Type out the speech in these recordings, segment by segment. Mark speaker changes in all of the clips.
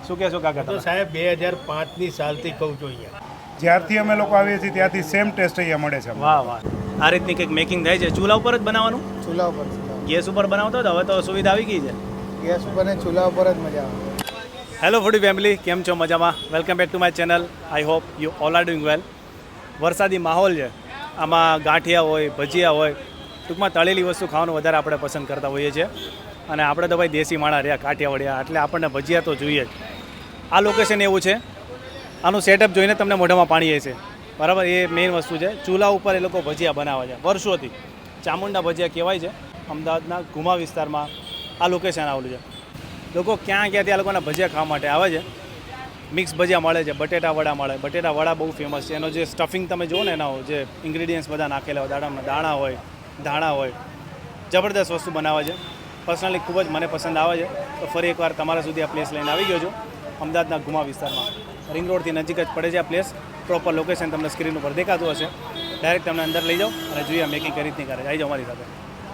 Speaker 1: શું કહેશો કાકા
Speaker 2: તો
Speaker 1: તમે?
Speaker 2: સાહેબ 2005ની સાલથી કહું છું અહીંયા.
Speaker 3: જ્યારથી અમે લોકો આવીએ છીએ ત્યાંથી સેમ ટેસ્ટ અહીંયા મળે છે.
Speaker 1: વાહ વાહ, આ રીતની કંઈક મેકિંગ થાય છે. ચૂલા ઉપર જ બનાવવાનું?
Speaker 4: ચૂલા ઉપર
Speaker 1: ગેસ ઉપર બનાવતો હતો, હવે તો સુવિધા આવી ગઈ છે.
Speaker 4: ગેસ ઉપર ને ચૂલા ઉપર જ મજા આવે.
Speaker 1: હેલો ફૂડી ફેમિલી, કેમ છો? મજામાં? Welcome back to my channel. I hope you all are doing well. વરસાદી માહોલ છે, આમાં ગાંઠિયા હોય, ભજીયા હોય, ટૂંકમાં તળેલી વસ્તુ ખાવાનું વધારે આપણે પસંદ કરતા હોઈએ છીએ. અને આપણે તો ભાઈ દેશી માણા રહ્યા, કાઠિયાવાડિયા, એટલે આપણને ભજીયા તો જોઈએ જ. આ લોકેશન એવું છે, આનું સેટઅપ જોઈને તમને મોઢામાં પાણી આવે છે, બરાબર? એ મેઇન વસ્તુ છે. ચૂલા ઉપર એ લોકો ભજીયા બનાવે છે વર્ષોથી. ચામુંડા ભજીયા કહેવાય છે. અમદાવાદના ઘુમા વિસ્તારમાં આ લોકેશન આવેલું છે. લોકો ક્યાંથી આ લોકોના ભજીયા ખાવા માટે આવે છે. મિક્સ ભજીયા મળે છે, બટેટા વડા મળે. બટેટા વડા બહુ ફેમસ છે. એનો જે સ્ટફિંગ તમે જુઓ ને, એના જે ઇન્ગ્રીડિયન્ટ્સ બધા નાખેલા હોય, દાણા હોય, ધાણા હોય, જબરદસ્ત વસ્તુ બનાવે છે. પર્સનલી ખૂબ જ મને પસંદ આવે છે. તો ફરી એકવાર તમારા સુધી આ પ્લેસ લઈને આવી ગયો છું, અમદાવાદના ઘુમા વિસ્તારમાં. રિંગ રોડથી નજીક જ પડે છે આ પ્લેસ. પ્રોપર લોકેશન તમને સ્ક્રીન ઉપર દેખાતું હશે. ડાયરેક્ટ તમને અંદર લઈ જાઓ અને જોઈએ મેકિંગ કઈ રીતની કરે. આવી જાઓ મારી સાથે.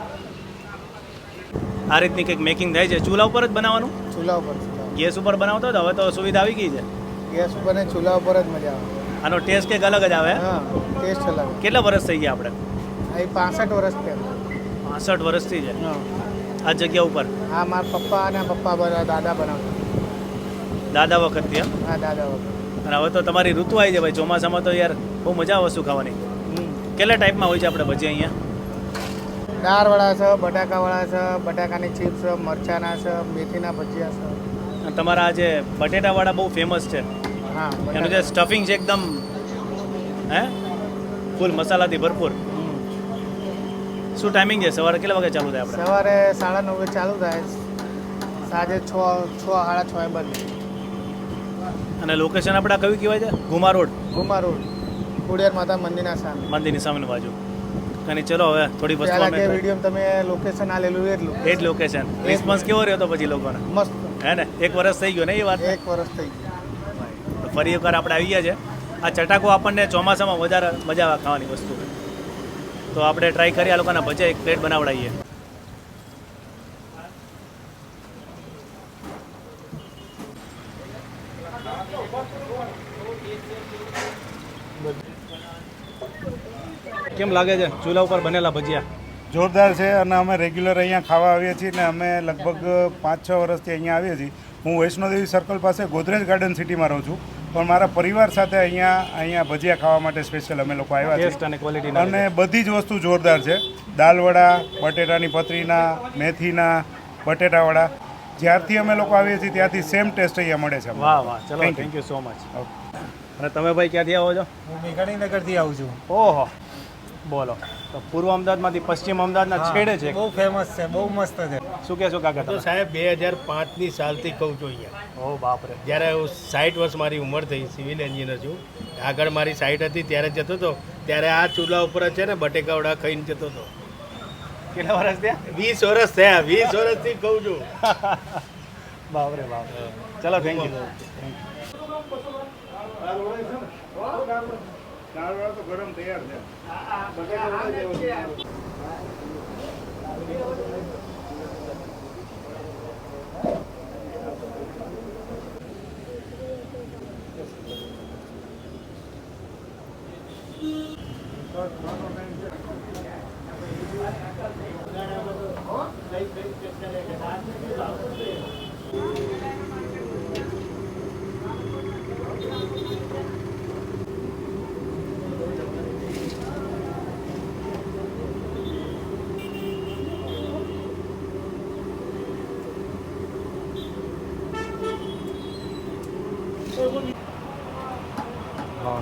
Speaker 1: આ રીતની કંઈક મેકિંગ થાય છે. ચૂલા ઉપર જ બનાવવાનું?
Speaker 4: ચૂલા ઉપર
Speaker 1: ગેસ ઉપર બનાવતો હતો, હવે તો સુવિધા આવી ગઈ છે.
Speaker 4: ગેસ ઉપર ને ચૂલા ઉપર જ મજા આવે.
Speaker 1: આનો ટેસ્ટ કંઈક અલગ જ આવે.
Speaker 4: હા, ટેસ્ટ અલગ.
Speaker 1: કેટલા વર્ષ થઈ ગયા આપણે?
Speaker 4: અહીં 65 વર્ષ પહેલાં.
Speaker 1: 65 વર્ષથી છે
Speaker 4: હા,
Speaker 1: આ જગ્યા ઉપર.
Speaker 4: હા, મારા પપ્પા અને દાદા બનાવતા.
Speaker 1: દાદા વખતથી એમ?
Speaker 4: હા, દાદા વખત.
Speaker 1: અને હવે તો તમારી ઋતુ આવી છે ભાઈ, ચોમાસામાં તો યાર બહુ મજા આવે વસ્તુ ખાવાની. કેટલા ટાઈપમાં હોય છે આપણે ભજીયા અહીંયા?
Speaker 4: દાળવાળા છે, બટાકાવાળા છે, બટાકાની ચિપ્સ છે, મરચાના છે, મેથીના ભજીયા છે.
Speaker 1: અને તમારા આ જે બટેટાવાળા બહુ ફેમસ છે.
Speaker 4: હા,
Speaker 1: એનું જે સ્ટફિંગ છે એકદમ ફૂલ મસાલાથી ભરપૂર. શું ટાઈમિંગ છે? સવારે કેટલા વાગે ચાલુ થાય આપણે?
Speaker 4: સવારે 9:30 ચાલુ થાય, સાંજે 6:30 બંધ.
Speaker 1: અને લોકેશન આપણા કયું કહેવાય છે? ઘુમા રોડ,
Speaker 4: ઘુમા રોડ, ખોડિયાર માતા મંદિરના સામે.
Speaker 1: મંદિરની સામેની બાજુ. અને ચલો હવે થોડી વસ્તુ
Speaker 4: પહેલા
Speaker 1: અમે
Speaker 4: કે વિડીયો તમે લોકેશન આલેલું એટલું
Speaker 1: એ જ લોકેશન. રિસ્પોન્સ કેવો રહ્યો તો પછી લોકોને?
Speaker 4: મસ્ત.
Speaker 1: હે ને? 1 વર્ષ થઈ ગયો ને એ વાત?
Speaker 4: 1 વર્ષ થઈ ગયું.
Speaker 1: તો ફરી એકવાર આપણે આવી ગયા છે. આ ચટાકો આપણને ચોમાસામાં વધારે મજા આવે ખાવાની વસ્તુ. તો આપણે ટ્રાય કરીએ આ લોકોના ભજીયા એક પ્લેટ બનાવડાવીએ. કેમ લાગે છે ચૂલા ઉપર બનેલા ભજીયા?
Speaker 3: જોરદાર છે. અને અમે રેગ્યુલર અહીંયા ખાવા આવીએ છીએ ને અમે લગભગ 5-6 વર્ષથી અહીંયા આવીએ છીએ. હું વૈષ્ણોદેવી સર્કલ પાસે ગોદરેજ ગાર્ડન સિટીમાં રહું છું, પણ મારા પરિવાર સાથે અહીંયા ભજીયા ખાવા માટે સ્પેશિયલ અમે લોકો આવ્યા
Speaker 1: ટેસ્ટ
Speaker 3: છીએ.
Speaker 1: અને ક્વોલિટી
Speaker 3: અને બધી જ વસ્તુ જોરદાર છે. દાલવડા, બટેટાની પતરીના, મેથીના, બટેટાવડા. જ્યારથી અમે લોકો આવીએ છીએ ત્યાંથી સેમ ટેસ્ટ અહીંયા મળે છે.
Speaker 1: વાહ વાહ, ચલો
Speaker 3: Thank you.
Speaker 1: Thank you so much. અને તમે ભાઈ ક્યાંથી આવો છો?
Speaker 4: હું મેઘાણીનગરથી આવું છું.
Speaker 1: ઓહો, બોલો. તો પૂર્વ અમદાવાદમાંથી પશ્ચિમ અમદાવાદના છેડે છે.
Speaker 4: બહુ ફેમસ છે, બહુ મસ્ત છે.
Speaker 1: શું કહેશો કાકા
Speaker 2: તો
Speaker 1: તમે?
Speaker 2: સાહેબ 2005ની સાલથી કહું છું અહીંયા.
Speaker 1: ઓ બાપરે.
Speaker 2: જ્યારે હું 60 વર્ષ મારી ઉંમર થઈ, સિવિલ એન્જિનિયર છું. આગળ મારી સાઈટ હતી ત્યારે જતો હતો, ત્યારે આ ચૂલા ઉપર જ છે ને બટેકાવડા ખાઈને જતો હતો.
Speaker 1: કેટલા વર્ષ થયા?
Speaker 2: 20 વર્ષ થયા, 20 વર્ષથી કહું છું.
Speaker 1: બાપરે બાપ. ચલો થેન્ક યુ.
Speaker 3: દાળવડા તો ગરમ તૈયાર છે.
Speaker 1: હા.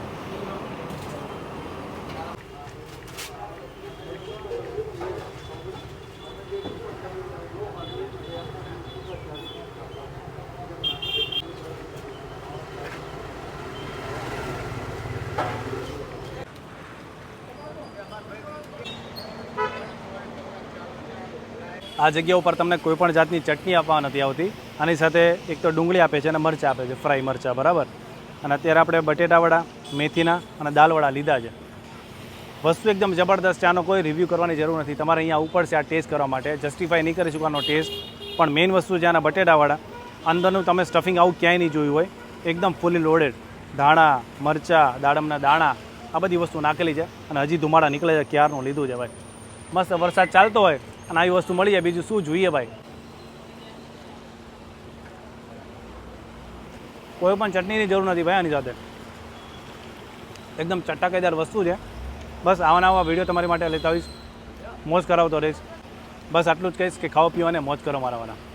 Speaker 1: આ જગ્યા ઉપર તમને કોઈ પણ જાતની ચટણી આપવા નથી આવતી. આની સાથે એક તો ડુંગળી આપે છે અને મરચાં આપે છે, ફ્રાય મરચાં, બરાબર. અને અત્યારે આપણે બટેટાવડા, મેથીના અને દાલવડા લીધા છે. વસ્તુ એકદમ જબરદસ્ત છે. આનો કોઈ રિવ્યૂ કરવાની જરૂર નથી. તમારે અહીંયા આવવું પડશે આ ટેસ્ટ કરવા માટે. જસ્ટિફાય નહીં કરી શકવાનો ટેસ્ટ. પણ મેઇન વસ્તુ છે આના બટેટાવડા. અંદરનું તમે સ્ટફિંગ આવું ક્યાંય નહીં જોયું હોય, એકદમ ફૂલી લોડેડ. ધાણા, મરચાં, દાડમના દાણા, આ બધી વસ્તુ નાખેલી છે અને હજી ધુમાડા નીકળે છે, ક્યારનું લીધું છે ભાઈ. મસ્ત વરસાદ ચાલતો હોય અને આવી વસ્તુ મળી જાય, બીજું શું જોઈએ ભાઈ. કોઈ પણ ચટણીની જરૂર નથી ભાઈ આની સાથે, એકદમ ચટાકેદાર વસ્તુ છે. બસ આવા નવા વિડીયો તમારી માટે લેતા આવીશ, મોજ કરાવતો રહીશ. બસ આટલું જ કહીશ કે ખાઓ પીઓ અને મોજ કરો મારાવાના.